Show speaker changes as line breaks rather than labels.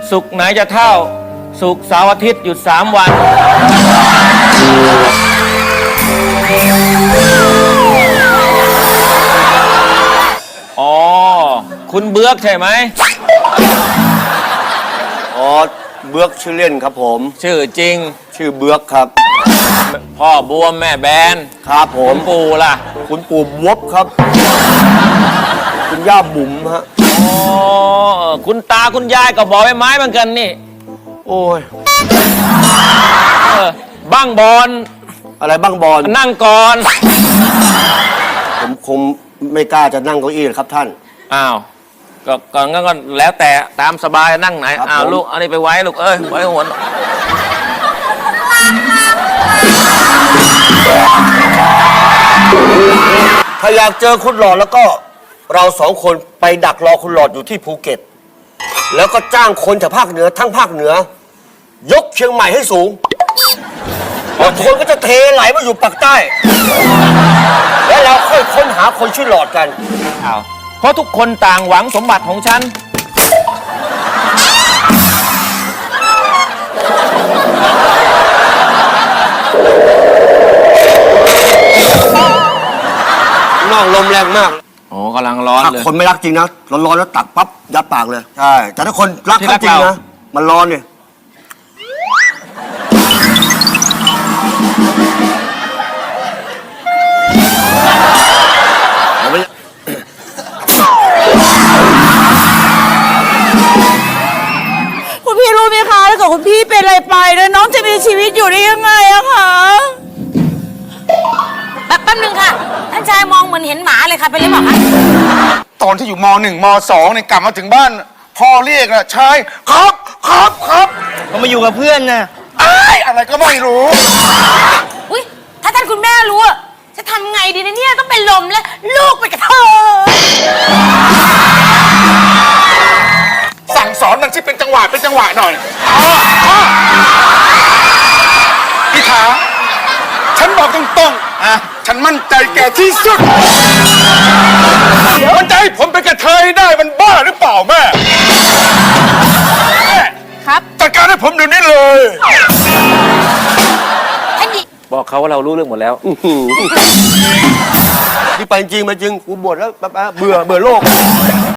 ศุกร์ไหนจะเท่าศุกร์เสาร์อาทิตย์หยุด3 วันอ๋อคุณเบือกใช่ไหม
อ๋อเบือกชื่อเล่นครับผม
ชื่อจริง
ชื่อเบือกครับ
พ่อบวมแม่แบน
ครับผม
คุณปู่ล่ะ
คุณปู่บวบครับคุณย่าบุ๋มฮะ
อ๋อคุณตาคุณยายก็บอกใบไม้เหมือนกันนี่
โอ้ย
บ้างบอล
อะไรบ้างบอล
นั่งก่อน
ผมคงไม่กล้าจะนั่งเก้าอี้ครับท่าน
อ้าวก็งั้นก็แล้วแต่ตามสบายนั่งไหนอ้าวลูกอันนี้ไปไว้ลูกไว้หัว
ถ้าอยากเจอคุณหลอดแล้วก็เรา2 คนไปดักรอคุณหลอดอยู่ที่ภูเก็ตแล้วก็จ้างคนจากภาคเหนือทั้งภาคเหนือยกเชียงใหม่ให้สูงแล้วคนก็จะเทไหลมาอยู่ปากใต้แล้วเราค่อยค้นหาคนชื่อหลอดกัน
เพราะทุกคนต่างหวังสมบัติของฉัน
นอกลมแรงมาก
โอ้กำลังร้อนเลย
คนไม่รักจริงนะร้อนๆแล้วตักปั๊บยัดปากเลยใช่แต่ถ้าคนรักเขาจริงนะมันร้อนเนี่ย
คุณพี่รู้ไหมคะถ้าเกิดคุณพี่เป็นอะไรไปแล้วน้องจะมีชีวิตอยู่ได้ยังไงอะคะ
แป๊บนึงค่ะท่านชายมองเหมือนเห็นหมาเลยค่ะเป็นไรบอกคะ
ตอนที่อยู่ม.1 ม.2เนี่ยกลับมาถึงบ้านพ่อเรียกนะชายครับ
เขามาอยู่กับเพื่อนนะ
อะไรก็ไม่รู้
อุ้ยถ้าท่านคุณแม่รู้จะทำไงดีนะเนี่ยต้องเป็นลมแล้วลูกไปกับเธอ
สั่งสอนมันที่เป็นจังหวะหน่อยพี่ขาฉันบอกตรงๆฉันมั่นใจแกที่สุดมันจะให้ผมเป็นกระเทยได้มันบ้าหรือเปล่าแม่
ครับ
จัดการให้ผมเดี๋ยวนี้เลย
บอกเขาว่าเรารู้เรื่องหมดแล้ว
ที่ไปจริงมาจริงกูบ่นแล้วเบื่อโลก